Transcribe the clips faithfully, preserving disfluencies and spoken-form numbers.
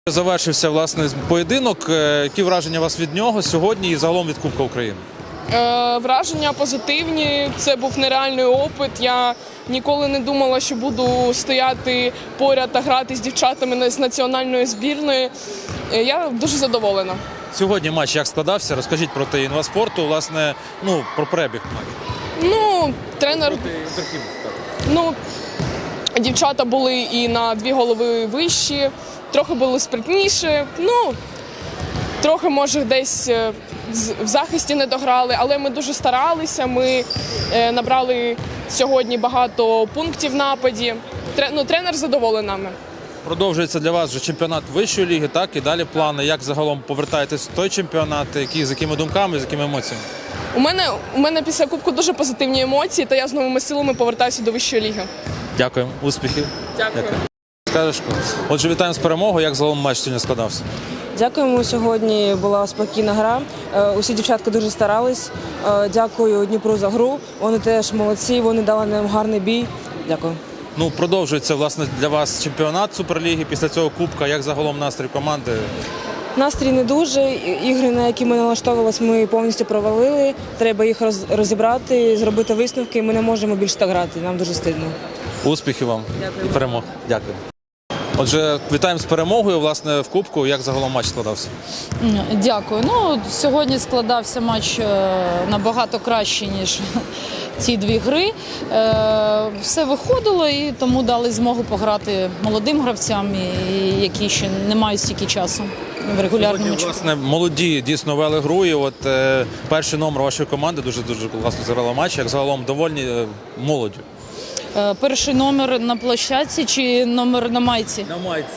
Завершився, власне, поєдинок. Які враження у вас від нього сьогодні і загалом від Кубка України? Е, враження позитивні. Це був нереальний опит. Я ніколи не думала, що буду стояти поряд та грати з дівчатами з національної збірної. Е, я дуже задоволена. Сьогодні матч як складався? Розкажіть про те інваспорту, власне, ну, про перебіг матчу. Ну, тренер... Ну, дівчата були і на дві голови вищі, трохи були спритніші. Ну, трохи, може, десь в захисті не дограли, але ми дуже старалися. Ми набрали сьогодні багато пунктів в нападі. Ну, тренер задоволений нами. Продовжується для вас вже чемпіонат вищої ліги, так? І далі плани, як загалом повертаєтесь в той чемпіонат, які, з якими думками, з якими емоціями? У мене, у мене після Кубку дуже позитивні емоції, та я з новими силами повертаюся до вищої ліги. Дякую, успіхів. Дякую. Дякую. Скажеш, отже, вітаємо з перемогою, як загалом матч сьогодні складався? Дякуємо, сьогодні була спокійна гра, усі дівчатки дуже старались. Дякую Дніпру за гру, вони теж молодці, вони дали нам гарний бій. Дякую. Ну, продовжується, власне, для вас чемпіонат Суперліги, після цього Кубка, як загалом настрій команди? Настрій не дуже, ігри, на які ми налаштовувалися, ми повністю провалили, треба їх розібрати, зробити висновки, ми не можемо більше так грати, нам дуже стидно. Успіхів вам. Дякую. І перемог. Дякую. Отже, вітаємо з перемогою, власне, в Кубку. Як загалом матч складався? Дякую. Ну, сьогодні складався матч набагато краще, ніж ці дві гри. Все виходило і тому дали змогу пограти молодим гравцям, які ще не мають стільки часу в регулярному часі. Власне, молоді дійсно вели гру, і от е, перший номер вашої команди дуже-дуже класно зіграла матч. Як загалом довольні е, молоддю? Перший номер на площадці чи номер на майці? На майці.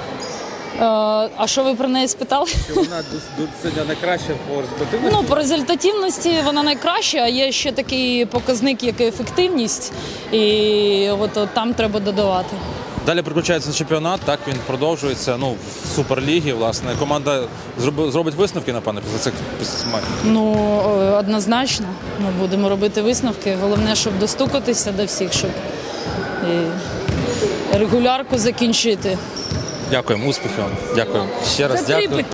А що ви про неї спитали? Що вона сьогодні найкраща по результативності? Ну, по результативності вона найкраща, а є ще такий показник, як ефективність, і от, от там треба додавати. Далі приключається чемпіонат, так, він продовжується, ну, в Суперлігі, власне. Команда зробить висновки, напевно, після цих матчів? Ну, однозначно, ми будемо робити висновки. Головне, щоб достукатися до всіх, щоб і регулярку закінчити. Дякуємо, успіхів вам. Дякую. Ще раз дякую.